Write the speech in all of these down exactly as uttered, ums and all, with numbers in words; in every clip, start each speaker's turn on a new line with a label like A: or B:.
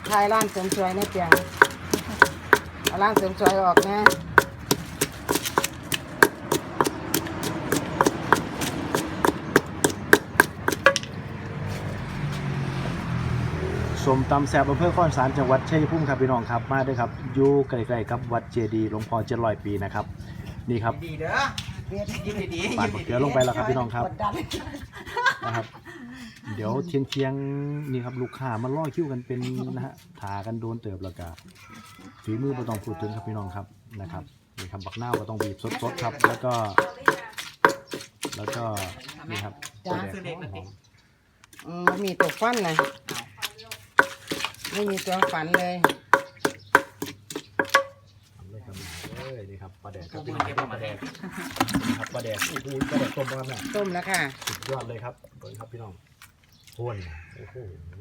A: ทายร้านเสริมสวยในเปียงเอาร้านเสริมสวยออกนะ
B: สมตำแซ่บอำเภอข้อนสารจังหวัดชัยภูมิครับพี่น้องครับมาด้วยครับอยู่ใกล้ๆกับวัดเจดีย์หลวงพ่อเจ็ดร้อยปีนะครับนี่ครับ
C: ดีเด้อยิ้มดีๆ
B: ปา
C: ยิ้
B: ด
C: ม
B: เกลือลงไปแล้วครับพี่น้องครับนะครับเดี๋ยวเทียงเทียงๆนี่ครับลูกค้ามาล่อคิวกันเป็นนะฮะทากันโดนเติบแล้วก็ฝีมือไม่ต้องพูดถึงครับพี่น้องครับนะครับนี่ครับบักหน้าวก็ต้องบีบสดๆครับแล้วก็แล้วก็นี่ครับ
A: จ้า
C: ซื้อเด็กมาติ
A: อืมมีตัวฟันนะไม่มีตัวฝันเลย
B: ทำเลยครับเอ้ยนี่ครับปลาแดกค
C: กู
B: รับ
C: เพิ่
B: พี่
C: ง
B: น้อง
C: เก็บ
B: ครับ
C: มาแดง
B: นี่ครับปลาแดกโอ้โหปลาแดกต้มครับเนี่ย
A: ต้มแล้วค่ะ
B: สุดยอดเลยครับเบิ่งครับพี่น้องพ่วนโอ้โห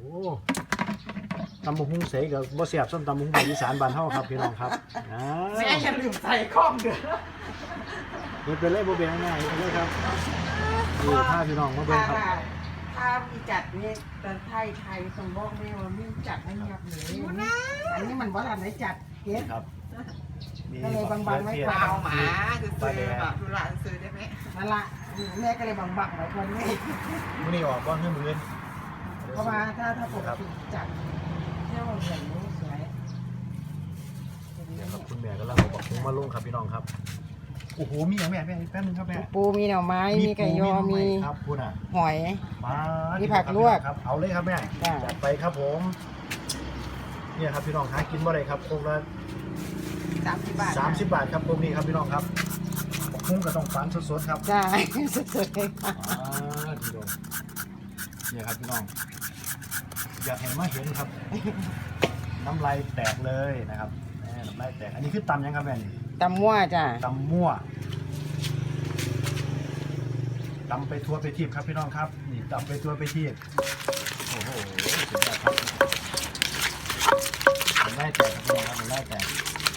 B: ตำบักหุ่งเสยกับบ่เสียบส้มตำบักหุ่งภาคอีสานบ้านเฮาครับพี่น้องครับอ่า
C: แม่อย่าลืมใส่ข้องเด้อ
B: เฮ็ดไปเลยบ่เบี่ยงง่ายๆไปเลยครับนี่พาพี่น้องมาเบิ่งครับ
A: ถ้ามีจัดนี่ตอนไทยไทยสมบอกไม่ว่ามีจัดไม่เงียบเลยอันนี้มันบ่ทันได้จัดเก็บ
B: ครับมี
A: ก็เลยบางๆไว้
B: เทีย
A: ก่อน
C: เอาหมาซื้อแบบดูหลานซื้อได้ไหม
A: นั่นละแม่ก็เลยบังๆไว้คนนี้
B: มื้อนี้ออกบ่คือมื้ออื่น
A: เพราะว่าถ้าถ้าปกติจัดเที่ยวเหมือนนี้สวย
B: เนี่ยครับคุณแม่กำลังเอาบักหุ่งมาลงครับพี่น้องครับโอ้โหมีหยังแม่แม่แป๊บนึงครับแม่
A: ปูมีหน่อไม้มีไก่ยอมี
B: ครับคุณอ่ะ
A: หอย
B: มา
A: มีผักลวก
B: ครับเอาเลยครับแม่
A: จ้ะ
B: จัดไปครับผมเนี่ยครับพี่น้องหากินบ่ได้ครับโคกละ
A: สามสิบบาท
B: สามสิบบาทครับโคกนี้ครับพี่น้องครับคุ้งก็ต้องฝันสดๆครับ
A: ใช่ สุดๆเลยค่ะ
B: อ่าพี่น้องเนี่ยครับพี่น้องอยากเห็นมาเห็นครับ น้ำลายแตกเลยนะครับแม่น้ำลายแตกอันนี้คือตำยังครับแม่นี่
A: ตำมั่วจ้ะ
B: ตำมั่วตำไปทั่วไปทีบครับพี่น้องครับนี่ตำไปทั่วไปทีบโอ้โหสุดยอดครับน้ำลายแตกครับพี่น้องครับน้ำลายแตก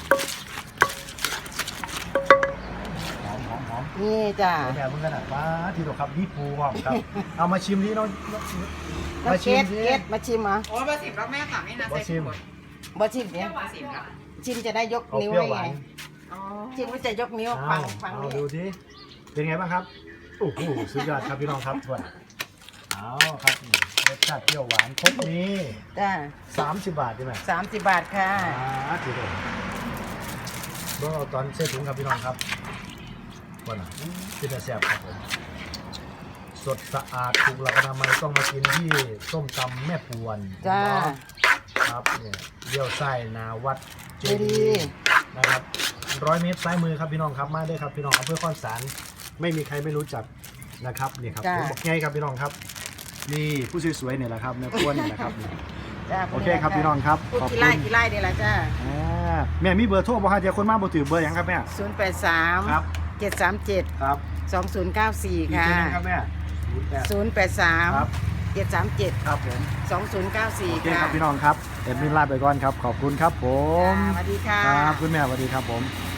B: หอมหอมหอม
A: นี่จ้ะ
B: แม่เพิ่งกันอ่ะว้าทีเดียวครับนี่ปูหอมครับ เอามาชิมดิน้อง
A: แล้ว
B: มา
A: เก
B: ชิม
A: ต
B: ดิ
A: เกตมาชิมเหรอ
C: โอ้เบอร์สิบแล้วแม่สั่งให้นาใส่ถุง
A: บ่ชิม
C: เปรี้
A: เดี๋
C: ย
A: ยว ว
C: เบอร์สิบแล้ว
A: ชิมจะได้ยก
B: เอา
A: นิ้ว
B: เปรี้ยว
A: ได้
B: หวา
A: ไง
B: น
C: อ๋อ
A: ชิมก็จะยกนิ้ว
B: เอา
A: ฟังฟัง
B: เอา
A: นี่
B: ดูดิเป็นไงบ้างครับโอ้โหสุดยอดครับพี่น้องครับทวนเอาครับรสชาติเปรี้ยวหวานครบนี้
A: จ้ะ
B: สามสิบบาทใช่ไหม
A: สามสิบบาทค่ะ
B: อ่าทีเดียวเบิ่งเอาตอนเส้นถุงครับพี่น้องครับวันน่ะที่จะแซ่บครับผมสดสะอาดถูกหลักอนามัยต้องมากินที่ส้มตำแม่ปวน
A: จ้า
B: ครับเนี่ยเลี้ยวไส้นาวัดเจ
A: เจดี
B: ดี
A: ย์
B: ย์นะครับร้อยเมตรซ้ายมือครับพี่น้องครับมาได้ครับพี่น้องอำเภอข้อนสารไม่มีใครไม่รู้จักนะครับนี่ครับผมบอกไงครับพี่น้องครับนี่ผู้สวยๆเนี่ยแหละครับแม่ปวนเนี่ยนะครับนี่
A: จ้ะ
B: โอเคครับพี่น้องครับ
A: พูด
B: ขอบ
A: กี่
B: คุ
A: ไร่
B: ณ
A: กี่ไร่เดี๋ยวละจ้า
B: อ่าแม่มีเบอร์โทรบ่ฮะเดี๋ยวคนมาบ่ถือเบอร์หยังครับแม่
A: ศูนย์แปดสาม
B: ครับ
A: เจ็ดสามเจ็ด
B: ครับ
A: สองศูนย์เก้าสี่
B: อีก
A: ค่ะ
B: ทีนึงครับแม่ศูนย์แปด
A: ศูนย์แปดสาม
B: ครับ
A: เจ็ดสามเจ็ด
B: ครับผม
A: สองศูนย์เก้าสี่
B: โอเค
A: ค่ะ
B: ครับพี่น้องครับเอ็มมินลาไปก่อนครับขอบคุณครับผม
A: จ้าสวัสดีค่ะ
B: ครับคุณแม่สวัสดีครับผม
A: ค